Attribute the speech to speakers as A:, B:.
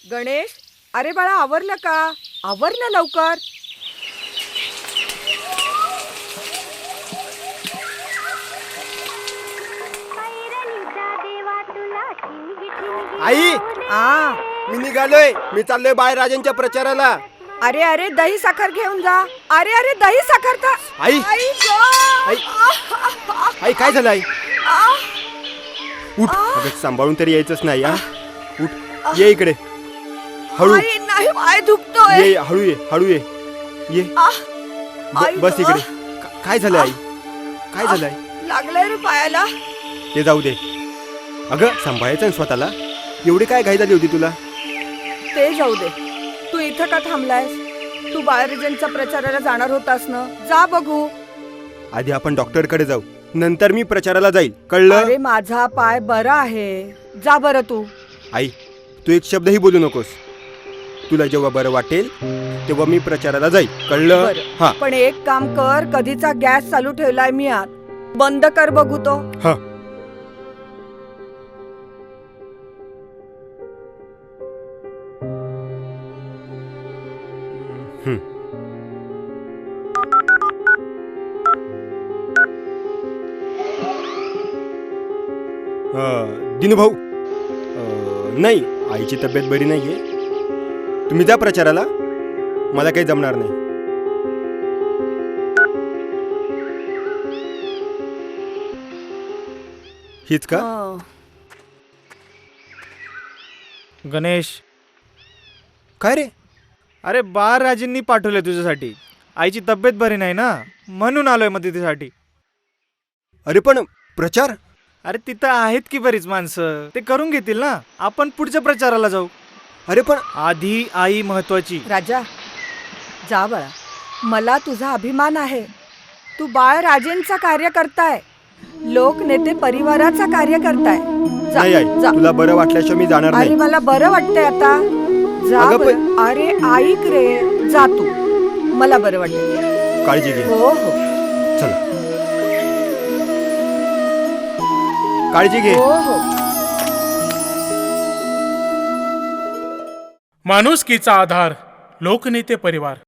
A: गणेश, अरे बाळा आवरलं का? आवर ना लवकर.
B: आई,
A: आ
B: मी निघालोय. मी चाललोय बाळराजांच्या प्रचाराला.
A: अरे अरे दही साखर घेऊन जा. अरे अरे दही साखर का?
B: आई,
A: आई गं!
B: आई. आई काय झालं आई? उठ, अगं सांभाळून तरी यायचंच नाही. उठ, ये इकडे. हळू
A: आई नाही, पाय दुखतोय.
B: ये, हळू ये, हळू ये. ये
A: आई
B: बस
A: गं.
B: इकडे. काय झालं आई? काय झालं आई?
A: लागलंय रे पायाला.
B: ते जाऊ दे. अगं सांभाळायचं ना स्वतःला. एवढी काय घाई झाली होती तुला?
A: ते जाऊ दे. तू इथं का थांबलायस? तू बाळराजांच्या प्रचाराला जाणार होतास ना? जा बघू.
B: आधी आपण डॉक्टरकडे जाऊ, नंतर मी प्रचाराला जाईल. कळलं?
A: अरे माझा पाय बरा आहे. जा बरं तू.
B: आई, तू एक शब्दही बोलू नकोस. तुला जेव्हा बरं वाटेल तेव्हा मी प्रचाराला जाईल. कळलं?
A: बरं.
B: हा
A: पण एक काम कर, कधीचा गॅस चालू ठेवलाय मी आत. बंद कर बघू तो.
B: हा. दिनू भाऊ, नाही, आईची तब्येत बरी नाहीये. तुम्ही जा प्रचाराला. मला काही जमणार नाही. हीच का?
A: हं.
C: गणेश,
B: काय रे?
C: अरे बाळराजेंनी पाठवले तुझ्यासाठी. आईची तब्येत बरी नाही ना, म्हणून आलोय मदतीसाठी.
B: अरे पण प्रचार?
C: अरे तिथं आहेत की बरीच माणसं, ते करून घेतील ना. आपण पुढच्या प्रचाराला जाऊ.
B: अरे पण
C: आधी आई महत्वाची.
A: राजा, जा बाळा. मला तुझा अभिमान आहे. तू बाळराजेंचा कार्य करताय. लोकनेते परिवाराचा कार्य करताय. जा,
B: नाही आई,
A: जा.
B: तुला बरं वाटल्याशिवाय मी जाणार
A: अरे
B: नाही.
A: मला बरं वाटतंय आता. जा
B: अगं
A: बरं. अरे ऐक रे, जा तू. मला बरं वाटतंय.
B: काळजी घे.
A: हो हो
B: चला, काळजी घे.
A: हो हो.
D: माणुसकीचा आधार लोकनेते परिवार.